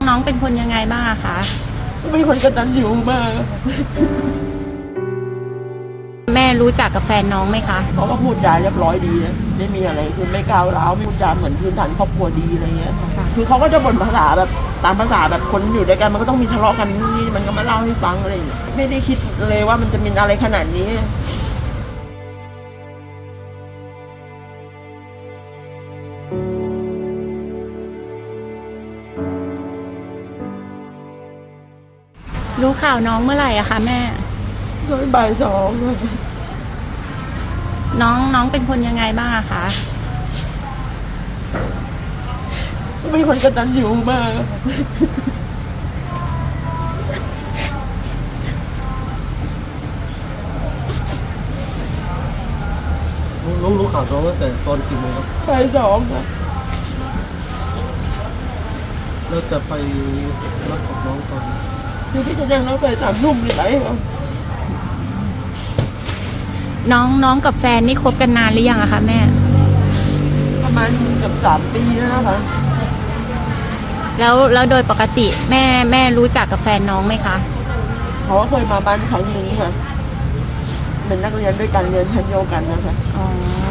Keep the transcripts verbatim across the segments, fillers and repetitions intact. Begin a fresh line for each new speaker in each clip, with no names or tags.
น้องเป็นคนยังไงบ้างคะ
เป็นคนกตัญญูมาก
แม่รู้จักกับแฟนน้องไหมคะ
เขาก็พูดจาเรียบร้อยดีนะไม่มีอะไรคือไม่ก้าวร้าวไม่พูดจาเหมือนพื้นฐานครอบครัวดีอะไรเงี้ยคือเขาก็จะบ่นภาษาแบบตามภาษาแบบคนอยู่ด้วยกันมันก็ต้องมีทะเลาะกันนี่มันก็มาเล่าให้ฟังอะไรอย่างเงี้ยไม่ได้คิดเลยว่ามันจะมีอะไรขนาดนี้
รู้ข่าวน้องเมื่อไหร่อะคะแม่
โดยบ่ายสอง
น้องน้องเป็นคนยังไงบ้างอะคะ
เป็นคนกตัญญูมาก
น้องรู้ข่าวน้องตั้งแต่ตอนกี่โมงครับ
บ่ายสองครับ
เราจะไปรับกับน้องตอน
คือที่จะยังเราไปสามทุ่มนี่ไหนครับ
น้องน้องกับแฟนนี่คบกันนานหรือยังอะคะแม่
ประมาณเกือบสามปีแล้วนะคะ
แล้วแล้วโดยปกติแม่แม่รู้จักกับแฟนน้องไหมคะ
เขาเคยมาบ้านครั้งนึงค่ะเป็นนักเรียนด้วยกันเรียนชั้นเดียวกันนะคะ
อ๋อ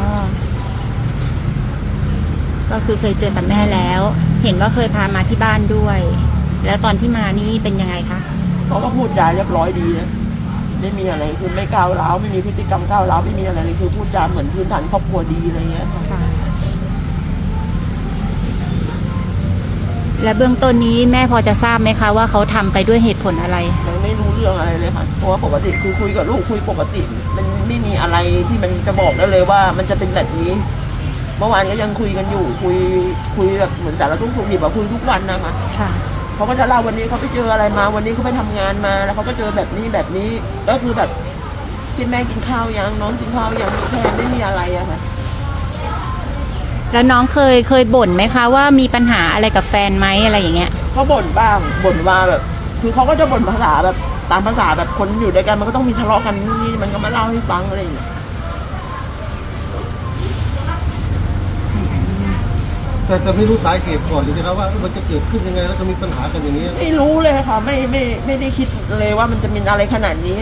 ก็คือเคยเจอกับแม่แล้วเห็นว่าเคยพามาที่บ้านด้วยแล้วตอนที่มานี่เป็นยังไงคะ
เขาก็พูดจาเรียบร้อยดีนะไม่มีอะไรคือไม่ก้าวร้าวไม่มีพฤติกรรมก้าวร้าวไม่มีอะไรเลยคือพูดจาเหมือนพื้นฐานครอบครัวดีอะไรเงี้ยค่ะ
และเบื้องต้นนี้แม่พอจะทราบไหมคะว่าเขาทำไปด้วยเหตุผลอะไร
ยังไม่รู้เรื่องอะไรเลยค่ะเพราะว่าปกติคือคุยกับลูกคุยปกติมันไม่มีอะไรที่มันจะบอกได้เลยว่ามันจะเป็นแบบนี้เมื่อวานก็ยังคุยกันอยู่คุยคุยแบบเหมือนสารทุกข์สุขดิบอะคุยทุกวันนะคะ
ค่ะ
เขาก็จะเล่าวันนี้เขาไปเจออะไรมาวันนี้เขาไปทำงานมาแล้วเขาก็เจอแบบนี้แบบนี้ก็คือแบบกินแม่กินข้าวยังน้องกินข้าวยังมีแค่ไม่มีอะไรอะค่ะ
แล้วน้องเคยเคยบ่นไหมคะว่ามีปัญหาอะไรกับแฟนไหมอะไรอย่างเงี้ย
เขาบ่นบ้างบ่นว่าแบบคือเขาก็จะบ่นภาษาแบบตามภาษาแบบคนอยู่ด้วยกันมันก็ต้องมีทะเลาะกันนี่มันก็มาเล่าให้ฟังอะไรอย่างเงี้ย
แต่แต่ไม่รู้สาเหตุก่อนเลยนะว่ามันจะเกิดขึ้นยังไงแล้วจะมีปัญหากันอย่างนี้
ไม่รู้เลยค่ะไม่ไม่ไม่ได้คิดเลยว่ามันจะมีอะไรขนาดนี้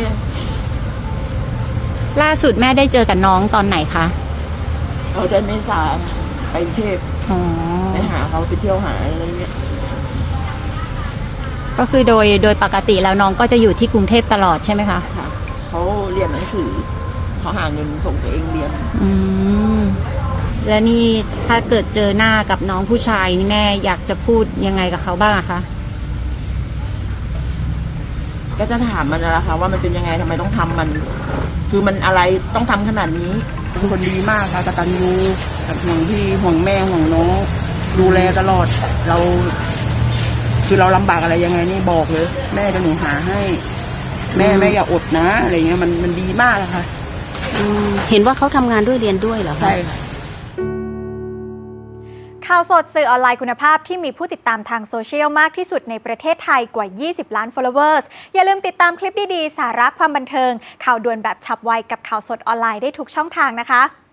ล่าสุดแม่ได้เจอกับน้องตอนไหนคะ
เราจะเมษาไปเทพไปหาเขาไปเที่ยวหาอะไรเงี้ย
ก็คือโดยโดยปกติแล้วน้องก็จะอยู่ที่กรุงเทพตลอดใช่ไหมคะ
ค่ะเขาเรียนหนังสือเขาหาเงินส่งตัวเองเรียน
อืมแล้วนี่ถ้าเกิดเจอหน้ากับน้องผู้ชายนี่แม่อยากจะพูดยังไงกับเขาบ้างคะ
ก็จะถามมันนะคะว่ามันเป็นยังไงทำไมต้องทำมันคือมันอะไรต้องทำขนาดนี้เป็นคนดีมากค่ะกตัญญูห่วงพี่ห่วงแม่ห่วงน้องดูแลตลอดเราคือเราลำบากอะไรยังไงนี่บอกเลยแม่จะหนูหาให้แม่แม่อย่าอดนะอะไรเงี้ยมันมันดีมากค่ะ
เห็นว่าเขาทำงานด้วยเรียนด้วยเหรอคะ
ใช่ค่ะ
ข่าวสดสื่อออนไลน์คุณภาพที่มีผู้ติดตามทางโซเชียลมากที่สุดในประเทศไทยกว่ายี่สิบล้าน followers อย่าลืมติดตามคลิปดีๆสาระความบันเทิงข่าวด่วนแบบฉับไวกับข่าวสดออนไลน์ได้ทุกช่องทางนะคะ